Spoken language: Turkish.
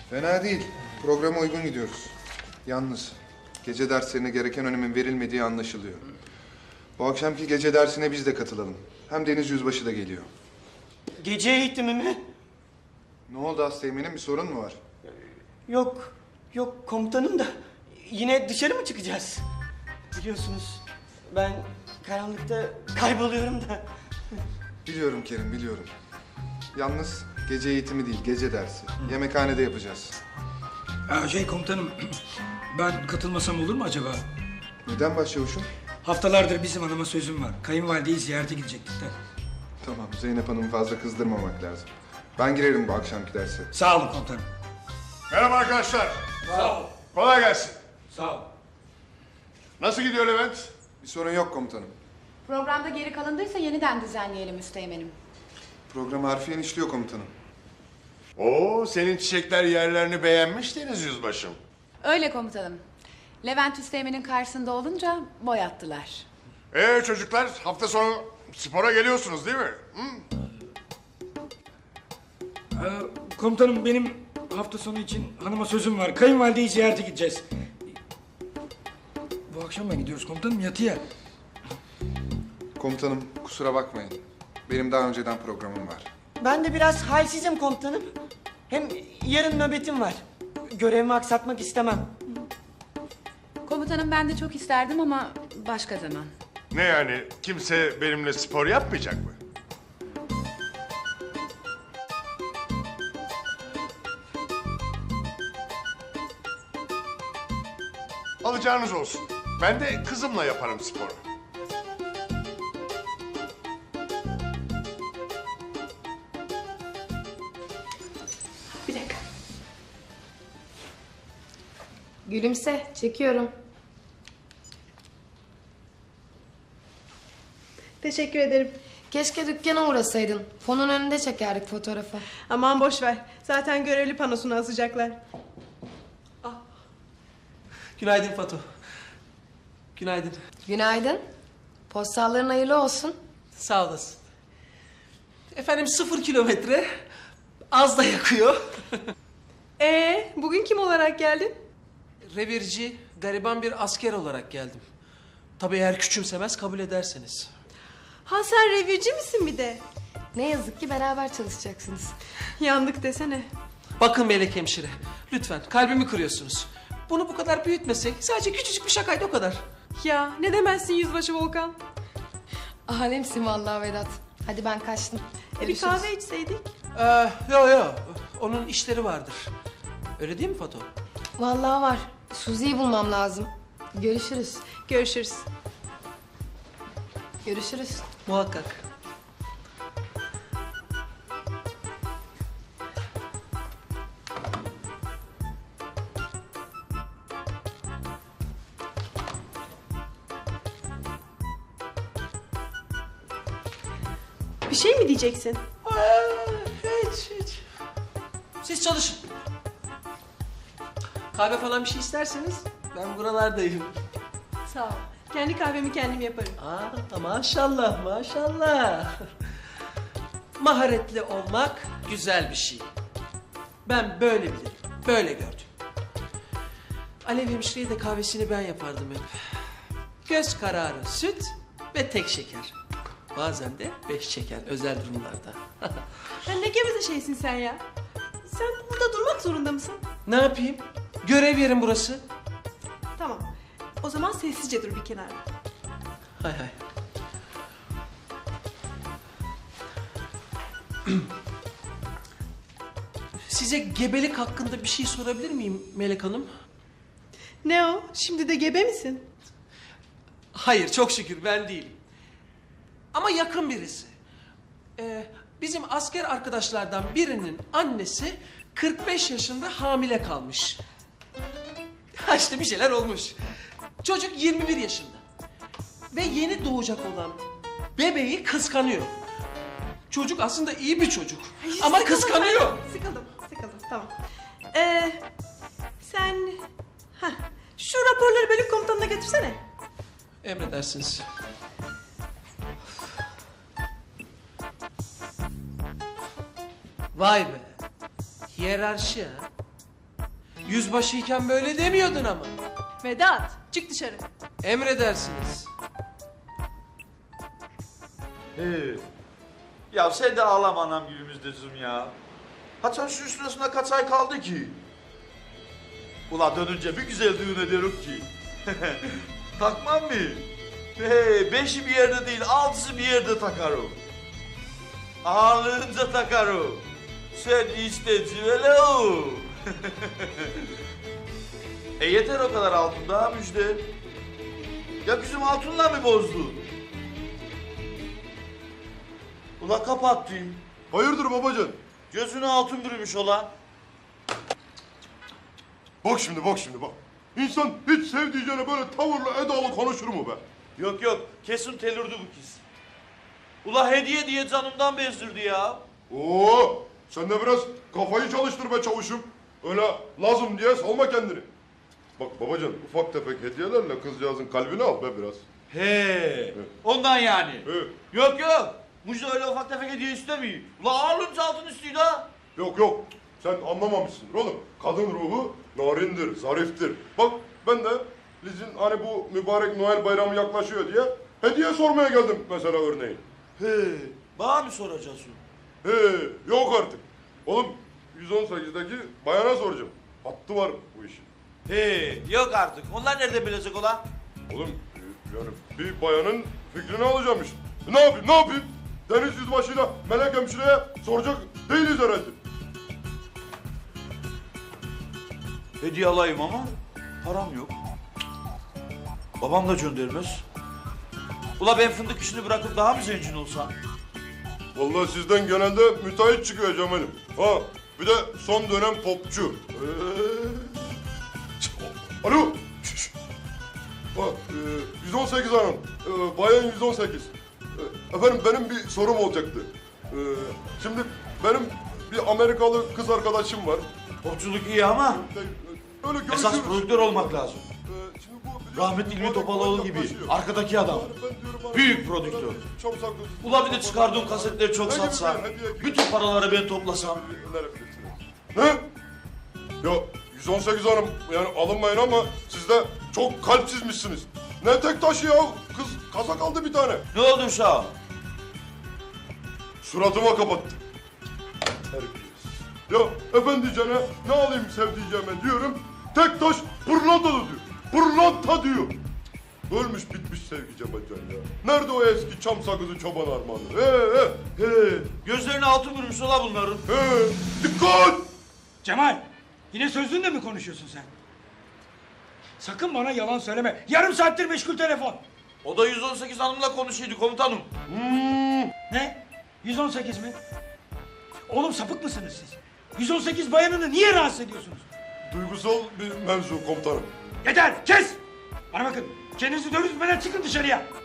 Fena değil. Programa uygun gidiyoruz. Yalnız gece derslerine gereken önemin verilmediği anlaşılıyor. Bu akşamki gece dersine biz de katılalım. Hem Deniz Yüzbaşı da geliyor. Gece eğitimi mi? Ne oldu Asteğmen'in, bir sorun mu var? Yok, yok komutanım da yine dışarı mı çıkacağız? Biliyorsunuz ben karanlıkta kayboluyorum da. Biliyorum Kerim, biliyorum. Yalnız gece eğitimi değil, gece dersi. Yemekhanede yapacağız. Komutanım, ben katılmasam olur mu acaba? Neden başçavuşum? Haftalardır bizim hanıma sözüm var. Kayınvalideyi ziyarete gidecektik de. Tamam, Zeynep Hanım'ı fazla kızdırmamak lazım. Ben girerim bu akşamki derse. Sağ olun komutanım. Merhaba arkadaşlar. Sağ ol. Kolay gelsin. Sağ ol. Nasıl gidiyor Levent? Bir sorun yok komutanım. Programda geri kalındıysa yeniden düzenleyelim Üsteğmen'im. Programı harfiyen işliyor komutanım. Oo, senin çiçekler yerlerini beğenmiş Deniz Yüzbaşım. Öyle komutanım. Levent Üsteğmen'in karşısında olunca boy attılar. Çocuklar, hafta sonu spora geliyorsunuz değil mi? Hı? Komutanım, benim hafta sonu için hanıma sözüm var. Kayınvalideyi ziyarete gideceğiz. Bu akşam mı gidiyoruz komutanım, yatıya? Komutanım kusura bakmayın. Benim daha önceden programım var. Ben de biraz halsizim komutanım. Hem yarın nöbetim var. Görevimi aksatmak istemem. Komutanım ben de çok isterdim ama başka zaman. Ne yani, kimse benimle spor yapmayacak mı? Alacağınız olsun. Ben de kızımla yaparım sporu. Bir dakika. Gülümse, çekiyorum. Teşekkür ederim. Keşke dükkana uğrasaydın. Fonun önünde çekerdik fotoğrafı. Aman boş ver. Zaten görevli panosunu asacaklar. Günaydın Fatu. Günaydın. Günaydın. Postalların hayırlı olsun. Sağ olasın. Efendim 0 kilometre. Az da yakıyor. Bugün kim olarak geldin? Revirci, gariban bir asker olarak geldim. Tabii eğer küçümsemez kabul ederseniz. Ha sen revirci misin bir de? Ne yazık ki beraber çalışacaksınız. Yandık desene. Bakın Melek hemşire, lütfen kalbimi kırıyorsunuz. Bunu bu kadar büyütmesek, sadece küçücük bir şakaydı o kadar. Ya ne demezsin yüzbaşı Volkan? Alemsin vallahi Vedat. Hadi ben kaçtım. Bir Görüşürüz. kahve içseydik. Yo, onun işleri vardır. Öyle değil mi Fatu? Vallahi var. Suzi'yi bulmam lazım. Görüşürüz. Görüşürüz. Görüşürüz. Muhakkak. Bir şey mi diyeceksin? Hiç. Siz çalışın. Kahve falan bir şey isterseniz ben buralardayım. Sağ ol. Kendi kahvemi kendim yaparım. Maşallah. Maharetli olmak güzel bir şey. Ben böyle bilirim, böyle gördüm. Alev hemşireye de kahvesini ben yapardım hep. Göz kararı süt ve tek şeker. Bazen de 5 şeker özel durumlarda. Ne geveze şeysin sen ya? Sen burada durmak zorunda mısın? Ne yapayım? Görev yerim burası. Tamam. O zaman sessizce dur bir kenarda. Hay. Size gebelik hakkında bir şey sorabilir miyim Melek Hanım? Ne o? Şimdi de gebe misin? Hayır, çok şükür ben değilim. Ama yakın birisi. Bizim asker arkadaşlardan birinin annesi 45 yaşında hamile kalmış. Ha işte bir şeyler olmuş. Çocuk 21 yaşında. Ve yeni doğacak olan bebeği kıskanıyor. Çocuk aslında iyi bir çocuk. Ama Sıkıldım kıskanıyor. ben. Sıkıldım. Tamam. Sen... şu raporları bölük komutanına götürsene. Emredersiniz. Vay be. Hiyerarşi ha. Yüzbaşıyken böyle demiyordun ama. Vedat çık dışarı. Emredersiniz. Ya sen de ağlama anam günümüzdezim ya. Haçan şu üstüne kaç ay kaldı ki? Ula dönünce bir güzel düğün ederim ki. Takmam mı? Beşi bir yerde değil, altısı bir yerde takarım. Ağırlığınca takarım. Sen işte civelo. Yeter o kadar altın daha müjde. Ya bizim altınla mı bozdun? Ula kapattım. Hayırdır babacan? Gözüne altın bürümüş olan. Bak şimdi bak. İnsan hiç sevdiğine böyle tavırla edalı konuşur mu be? Yok kesin telürdü bu kız. Ula hediye diye canımdan bezdirdi ya. Oo, sen de biraz kafayı çalıştır be çavuşum. Öyle lazım diye salma kendini. Bak babacan ufak tefek hediyelerle kızcağızın kalbini al be biraz. He. Ondan yani. He. Yok. Mucize öyle ufak tefek hediye istemiyor. Ula ağırlığınca altın istiyor da. Yok sen anlamamışsındır oğlum. Kadın ruhu narindir, zariftir. Bak ben de Liz'in hani bu mübarek Noel bayramı yaklaşıyor diye hediye sormaya geldim mesela örneğin. He. Bana mı soracaksın? He, yok artık. Oğlum 118'deki bayana soracağım. Hattı var bu işin. He. Yok artık. Onlar nerede bilecek ola? Oğlum yani bir bayanın fikrini alacağım işte. Ne yapayım? Deniz yüzbaşıyla Melek hemşireye soracak değiliz herhalde. Hediye alayım ama param yok. Babam da göndermez. Ula ben fındık işini bırakıp daha mı zengin olsam? Vallahi sizden genelde müteahhit çıkıyor Cemal'im. Ha bir de son dönem popçu. Alo. Şş. Bak 118 hanım. Bayan 118. Efendim benim bir sorum olacaktı. Şimdi benim bir Amerikalı kız arkadaşım var. Popçuluk iyi ama Öyle esas görüşürüz. prodüktör olmak lazım. Şimdi bu bir de Rahmetli İlmi Topaloğlu gibi yaklaşıyor. arkadaki adam. Ben diyorum hani- Büyük prodüktör. Çok saklı. Ula bir de çıkardığım kasetleri çok Ne gibi satsam, bir hediye ki? bütün paraları ben toplasam. Ne? Ya 118 hanım yani alınmayın ama siz de çok kalpsizmişsiniz. Ne tek taşı ya? Kız kasa kaldı bir tane. Ne oldu uşağım? Suratıma kapattı. Terbiyesiz. Ya efendicene ne alayım sevdiceğime diyorum. Tek taş pırlanta diyor. Pırlanta diyor. Ölmüş bitmiş sevgi Cemalcan ya. Nerede o eski çam sakızı çoban armağanı? Gözlerine altın vurmuş ola bunların. Dikkat! Cemal, yine sözlüğünle mi konuşuyorsun sen? Sakın bana yalan söyleme. Yarım saattir meşgul telefon. O da 118 hanımla konuşuyordu komutanım. Ne? 118 mi? Oğlum sapık mısınız siz? 118 bayanını niye rahatsız ediyorsunuz? Duygusal bir mevzu komutanım. Yeter, kes! Bana bakın, kendinizi dövüşmeden çıkın dışarıya.